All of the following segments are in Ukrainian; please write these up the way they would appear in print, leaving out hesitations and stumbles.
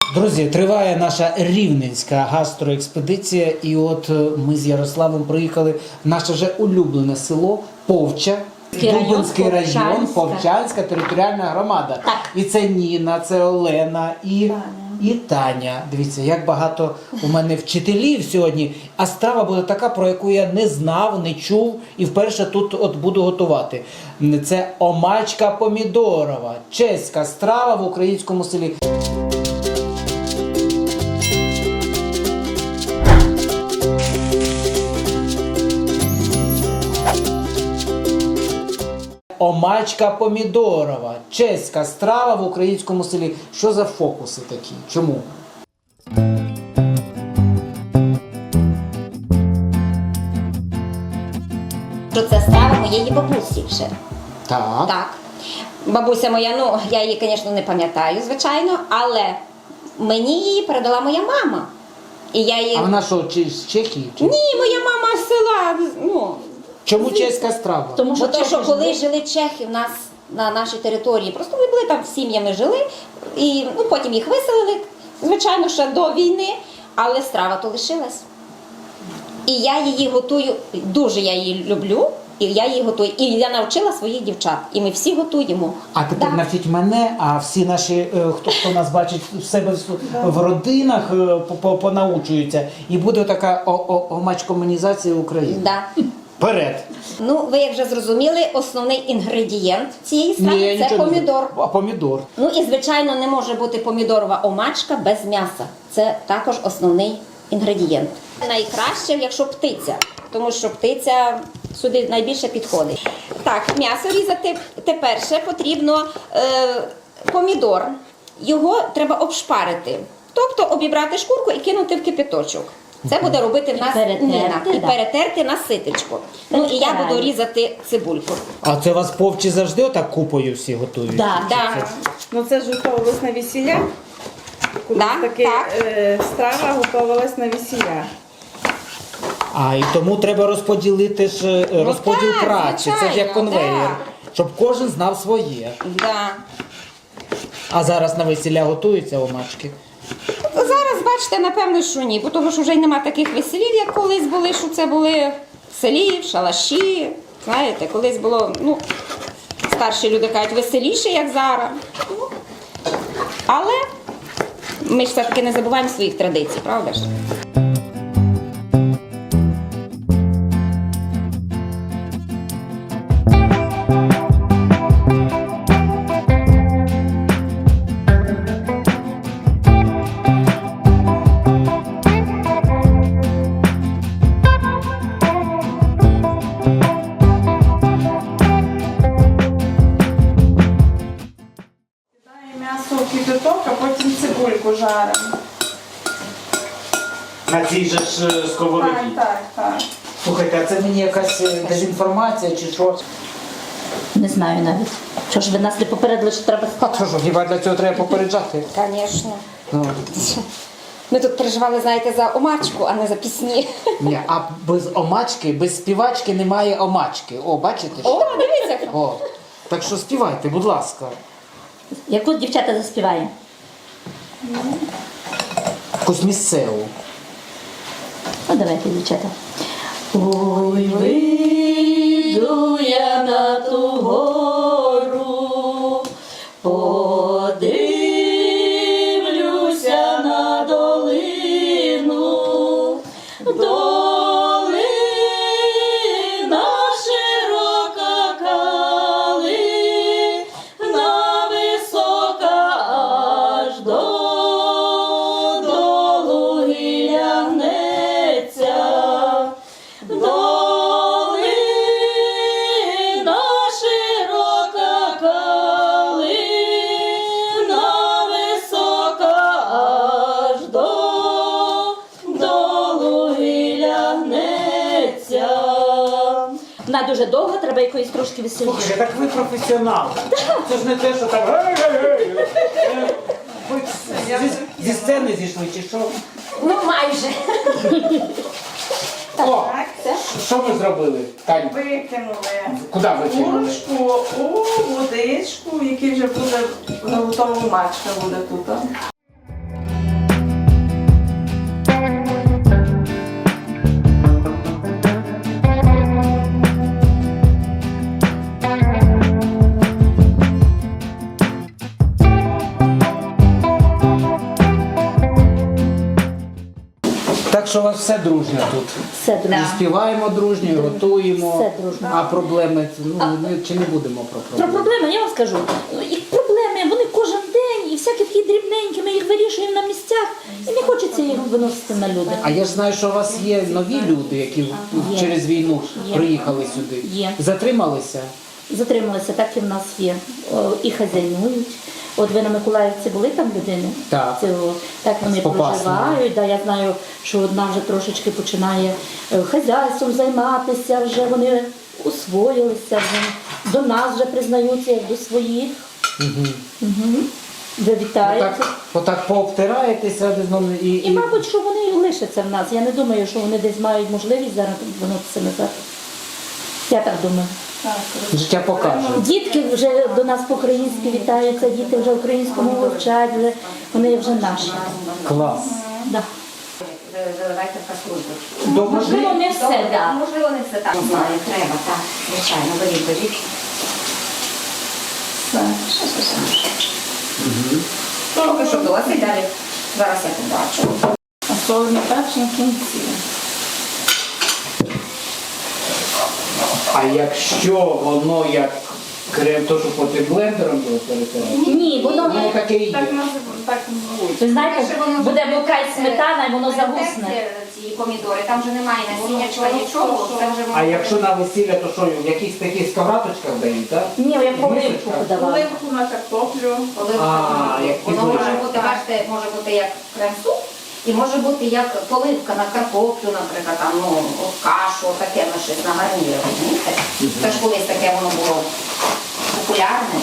Друзі, триває наша рівненська гастроекспедиція, і от ми з Ярославом приїхали в наше вже улюблене село Повча, Дубинський район, Повчанська територіальна громада. Так. І це Ніна, це Олена і Таня. Дивіться, як багато у мене вчителів сьогодні. А страва буде така, про яку я не знав, не чув і вперше тут от буду готувати. Це омачка помідорова, чеська страва в українському селі. Омачка помідорова, чеська страва в українському селі. Що за фокуси такі? Чому? Що це страва моєї бабусі вже. Так. Так. Бабуся моя, ну, я її, звісно, не пам'ятаю, звичайно, але мені її передала моя мама. І я її... А вона що, з Чехії? Чи? Ні, моя мама з села, ну... Чому чеська страва? Тому що коли жили чехи в нас на нашій території, просто ми були там сім'ями жили, і ну, потім їх виселили, звичайно, ще до війни, але страва то лишилась. І я її готую, дуже я її люблю, і я її готую. І я навчила своїх дівчат, і ми всі готуємо. А тепер навчіть мене, а всі наші, хто нас бачить в себе в родинах, понаучуються. І буде така омачкомунізація України. Да. Вперед! Ну, ви як вже зрозуміли, основний інгредієнт цієї страви – це помідор. А помідор? Ну і, звичайно, не може бути помідорова омачка без м'яса. Це також основний інгредієнт. Найкраще, якщо птиця, тому що птиця сюди найбільше підходить. Так, м'ясо різати. Тепер ще потрібно помідор. Його треба обшпарити. Тобто обібрати шкурку і кинути в кипяточок. Це буде робити в нас Ніна. І перетерти на ситочку. Ну і я буду різати цибульку. А це вас повчі завжди отак купою всі готують? Да. Ну це ж готувалось на весілля. Так. Страва готувалась на весілля. А, і тому треба розподілити ж розподіл так, праці. Це ж як звичайно, конвейер. так. Щоб кожен знав своє. Да. А зараз на весілля готуються омачки? Зараз, бачите, напевно, що ні, бо того, що вже й нема таких веселів, як колись були, що це були в селі, в шалаші. Знаєте, колись було, ну, старші люди кажуть, веселіше, як зараз. Але ми ж все-таки не забуваємо своїх традицій, правда ж? М'ясо в кипяток, а потім цибульку жаримо. На цій же ж сковороді? Так. Слухайте, а це мені якась дезінформація чи що? Не знаю навіть. Що ж ви нас не попередили, що треба А що ж, хіба для цього треба попереджати? Звісно. Ну. Ми тут переживали, знаєте, за омачку, а не за пісні. Ні, а без омачки, без співачки немає омачки. О, бачите? О, дивіться. О, так що співайте, будь ласка. Яку дівчата заспіваємо? Якусь місцеву. Ну, давайте, дівчата. Ой, вийду я на ту гору, подивлюся на долину, долина широка калина, висока аж долу гілля гнеться. Долина широка калина, висока аж долу гілля гнеться. Вона дуже довго, треба якоїсь трошки веселіше. Слухайте, так ви професіонал. Це ж не те, що там. Ви зі сцени зійшли, чи що? Ну, майже. О, що ви зробили, Тань? Викинули Куди викинули? курочку у водичку, в якій вже буде готова мачка буде тут. Так що у вас все дружньо тут. Все дружно. І співаємо дружньо, і готуємо. Все дружно. А проблеми, ми чи не будемо про Про проблеми? проблеми я вам скажу. І проблеми, вони кожен день, і всякі такі дрібненькі, ми їх вирішуємо на місцях, і не хочеться їх виносити на люди. А я ж знаю, що у вас є нові люди, які Є. через війну Є. приїхали сюди. Є. Затрималися? Затрималися, так і в нас є. І хазяйнують. От ви на Миколаївці були там людини? Так. Так вони З Попасної. проживають. Да, я знаю, що одна вже трошечки починає хазяйством займатися, вже вони освоїлися, вже до нас вже признаються як до своїх. Угу. Ви вітаєте. Отак пообтираєтеся один з одним І, мабуть, що вони і лишаться в нас. Я не думаю, що вони десь мають можливість зараз вернутися назад. Я так думаю. життя покаже. Дітки вже до нас по-українськи вітаються, діти вже українську мову вчать, вони вже наші. Клас. Да. Заливайте в каструльку. Можливо, не все, Добре, так. можливо, не все так. Знаю, треба, так. Звичайно, беріть. Поки що досить, далі. Зараз я побачу. А солоний перчик в кінці. А якщо воно як крем, то що потім блендером було перетирати? Ні, воно Воно таке і Так є. називають, так звуть. ви знаєте, буде мокра сметана і воно загусне. Ці помідори, там вже немає насіннячка, нічого. Це вже А якщо на весілля, то що, в якихось таких скавраточках дають, так? Ні, як поливку подавали. Оливку на картоплю. як воно підливка. може бути, бачите, може бути як крем-суп, і може бути як поливка на картоплю, наприклад, там, ну, от кашу, таке на щось на гарнір, розумієте? Це ж колись таке воно було популярне.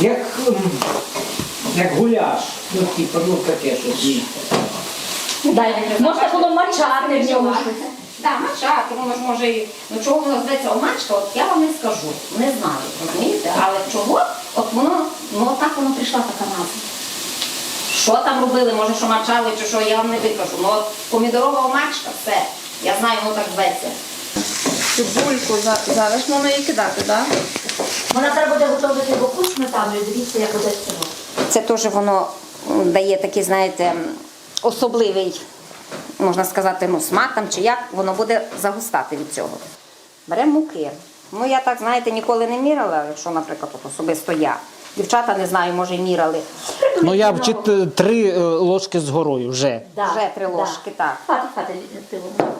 Як гуляш. Ну, типу, ну таке щось. Можна було мачати в ньому щось. Так, мачати, воно ж може і, ну чого воно зветься омачка, от я вам не скажу, не знаю, розумієте? Але чого, от воно, ну отак воно прийшла така назва. Що там робили, може, що мачали чи що, я вам не викажу. Ну от помідорова омачка, все, я знаю, воно так зветься. Цибульку зараз можна її кидати, так? Вона треба буде готувати боку сметаною, дивіться, як буде цього. Це теж воно дає такий, знаєте, особливий, можна сказати, ну, смак там чи як, воно буде загустати від цього. Беремо муки. Ну, я так, знаєте, ніколи не міряла, якщо, наприклад, от особисто я. Дівчата, не знаю, може, й міряли. Ну я 3 ложки з горою вже. Вже 3 ложки, так. Хати, пиво.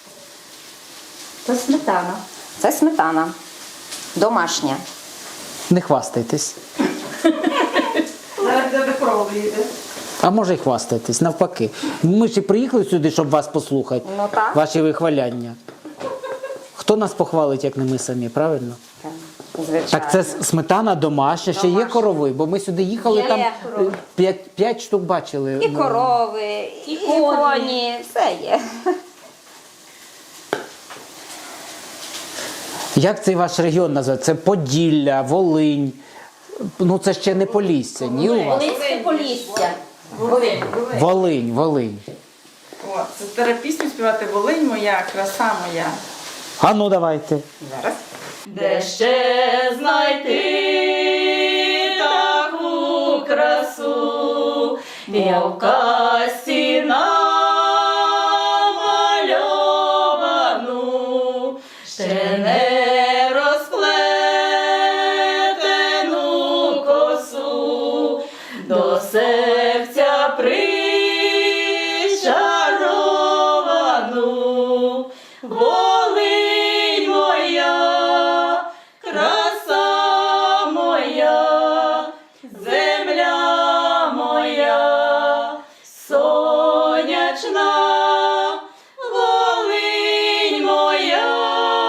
Це сметана. Це сметана. Домашня. Не хвастайтесь. Зараз де кров йде. А може й хвастайтесь, навпаки. Ми ж і приїхали сюди, щоб вас послухати. Ну, так. Ваші вихваляння. Хто нас похвалить, як не ми самі, правильно? Звичайно. Так це сметана домашня, ще є корови, бо ми сюди їхали, Є там корови. 5 штук бачили. І корови, і коні, все є. Як цей ваш регіон називається? Це Поділля, Волинь. Ну це ще не Полісся, ні у вас? Волинське Полісся. Волинь. О, це треба пісню співати «Волинь моя, краса моя». А ну давайте. Зараз. Де ще знайти таку красу, я в касті намальовану, ще не розплетену косу, до серця причаровану. Волинь моя, краса моя, земля моя, сонячна, Волинь моя,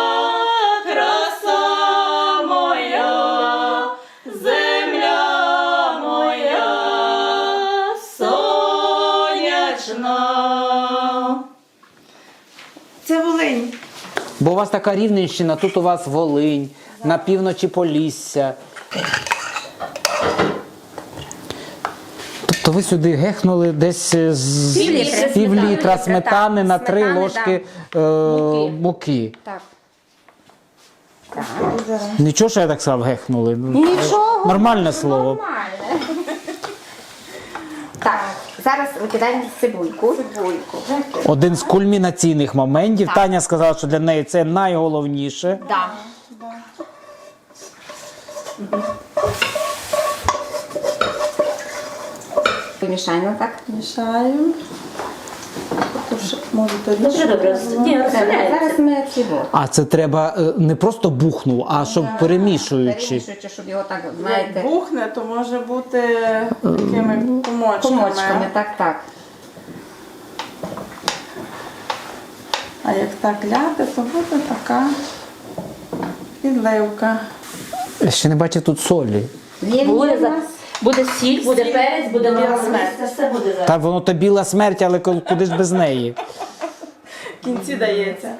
краса моя, земля моя, сонячна. Це Волинь. Бо у вас така Рівненщина, тут у вас Волинь, на півночі Полісся. Тобто ви сюди гехнули десь з Пів-літра пів-літра сметани на 3 Сметани, ложки муки. Так. Нічого, що я так сказав, гехнули. Нічого. Нормальне слово. Нормально. Так, Зараз викидаємо цибульку. Один з кульмінаційних моментів. Так. Таня сказала, що для неї це найголовніше. Да. Помішаємо так. Мішаємо. Можете Дуже добре. Ні, розсоляється. Зараз ми цибу. А це треба не просто бухнув, а щоб перемішуючи. Перемішуючи, щоб його так, знаєте, бухне, то може бути такими комочками. комочками. Так. А як так ляти, то буде така підливка. Я ще не бачив тут солі. Є Буде, в нас. буде сіль, буде перець, буде біла смерть. Це все буде зараз. Та воно то біла смерть, але куди ж без неї? В кінці дається.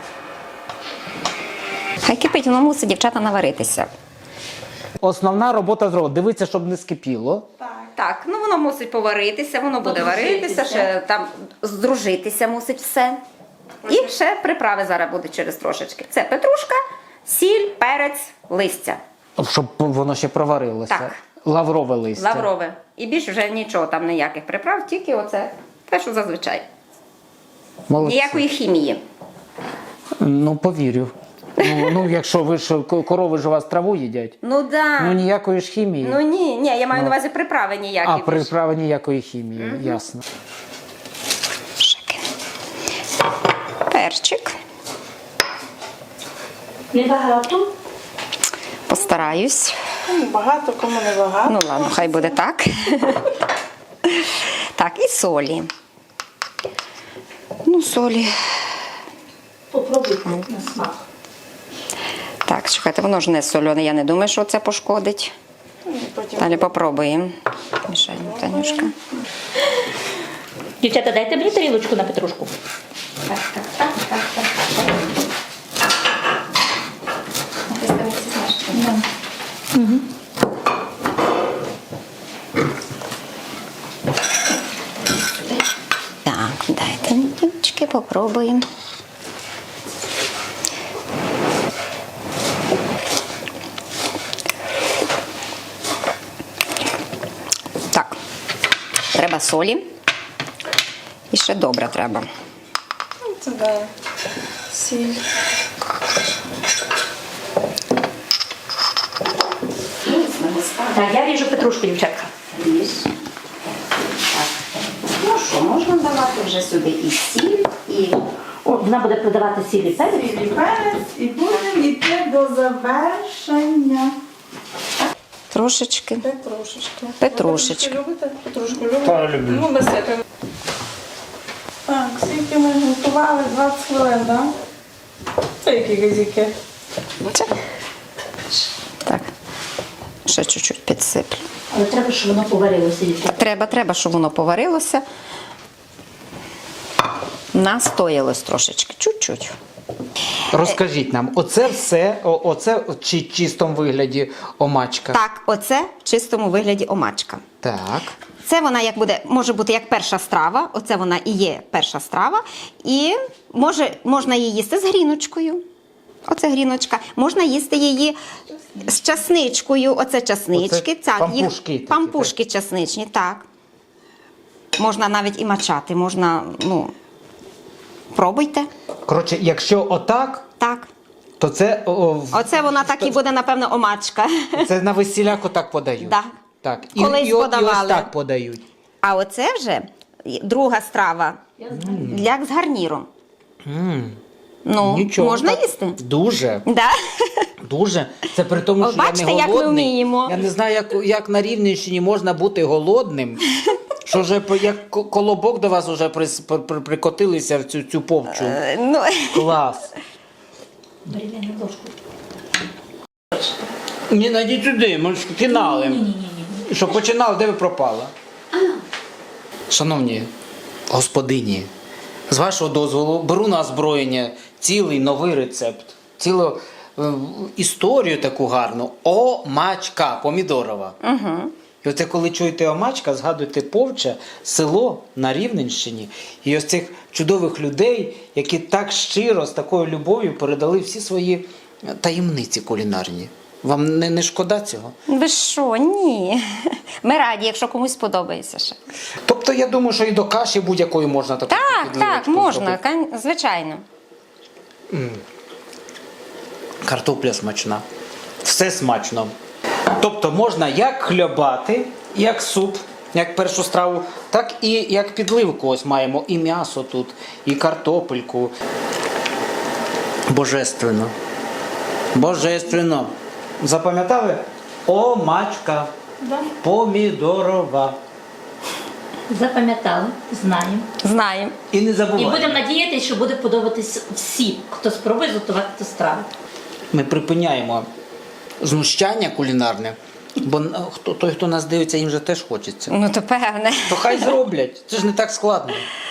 Хай кипить, воно мусить, дівчата, наваритися. Основна робота зробила. Дивіться, щоб не скипіло. Так, ну воно мусить поваритися, воно буде Подружитися. варитися, ще там здружитися мусить все. І ще приправи зараз будуть через трошечки. Це петрушка, сіль, перець, листя. Щоб воно ще проварилося. Так. Лаврове листя. Лаврове. І більше вже нічого там, ніяких приправ, тільки оце те, що зазвичай. Молодці. Ніякої хімії. Ну, повірю. Ну, якщо ви ж корови ж у вас траву їдять. Ну да. Ну, ніякої ж хімії. Ну ні, я маю на увазі приправи ніякі. А більше. приправи ніякої хімії, ясно. Шики. Перчик. Небагато. Постараюсь. Кому багато, кому не багато. Ну ладно, хай буде так. Так, і солі. Ну, солі. Попробуйте на смак. Так, чекайте, воно ж не солене, я не думаю, що це пошкодить. Потім Далі попробуємо. Мішаємо, Танюшка. Дівчата, дайте мені тарілочку на петрушку. Так, дайте мені, дівчатки, попробуємо. Так, треба солі. І ще добре треба. це да. Сіль. Так, я ріжу петрушку, дівчатка. Ріж. Так. Ну що, можна давати вже сюди і сіль, і О, вона буде продавати сіль і перець. Сіль і перець, і будемо йти до завершення. трошечки. Петрушечки. Петрушечки. Ви любите? Петрушку любите? Та, люблю. Ну, насипемо. Так, скільки ми готували? 20 хвилин, так? Це які газіки? Так. Ще чуть-чуть підсиплю. Але треба, щоб воно поварилося, дівчатка. Треба, щоб воно поварилося. Настоялось трошечки, чуть-чуть. Розкажіть нам, оце все, оце в чистому вигляді омачка. Так, оце в чистому вигляді омачка. Так. Це вона як буде, може бути як перша страва, оце вона і є перша страва. І можна її їсти з гріночкою. Оце гріночка. Можна їсти її з часничкою. Оце часнички. Оце Так, пампушки такі, пампушки часничні, так. Можна навіть і мачати, можна, ну, пробуйте. Коротше, якщо отак, Так. то це, Оце вона так і буде, напевно, омачка. це на весілях отак подають. Да. Так. Колись і ось подавали. так подають. А оце вже друга страва як з гарніром. Ну, Нічого. можна так. їсти? Дуже. Да. Дуже. Це при тому, О, що я бачите, не як ми голодний. вміємо. Я не знаю, як на Рівненщині можна бути голодним. Що вже як колобок до вас вже прикотилися в цю повчу. Ну, Клас. Бери мене ложку. Ні, найдіть сюди, ми ж фінали. Ні. Що починали, де ви пропали? Шановні господині, з вашого дозволу беру на озброєння цілий новий рецепт, цілу історію таку гарну. Омачка помідорова. угу. І оце коли чуєте омачка, згадуйте Повча, село на Рівненщині. І ось цих чудових людей, які так щиро, з такою любов'ю передали всі свої таємниці кулінарні. Вам не шкода цього? Ви що? Ні. Ми раді, якщо комусь сподобається ще. Тобто я думаю, що і до каші будь-якої можна таку Так, підливочку можна, зробити. звичайно. Картопля смачна. Все смачно. Тобто можна як хлібати, як суп, як першу страву, так і як підливку. Ось маємо і м'ясо тут, і картопельку. Божественно. Божественно. Запам'ятали? Омачка. Да? Помідорова. Запам'ятали, знаємо. Знаємо. І не І забуваємо. будемо надіятися, що буде подобатись всім, хто спробує готувати ту страву. Ми припиняємо знущання кулінарне, бо той, хто нас дивиться, їм же теж хочеться. Ну, то певне. То хай зроблять, це ж не так складно.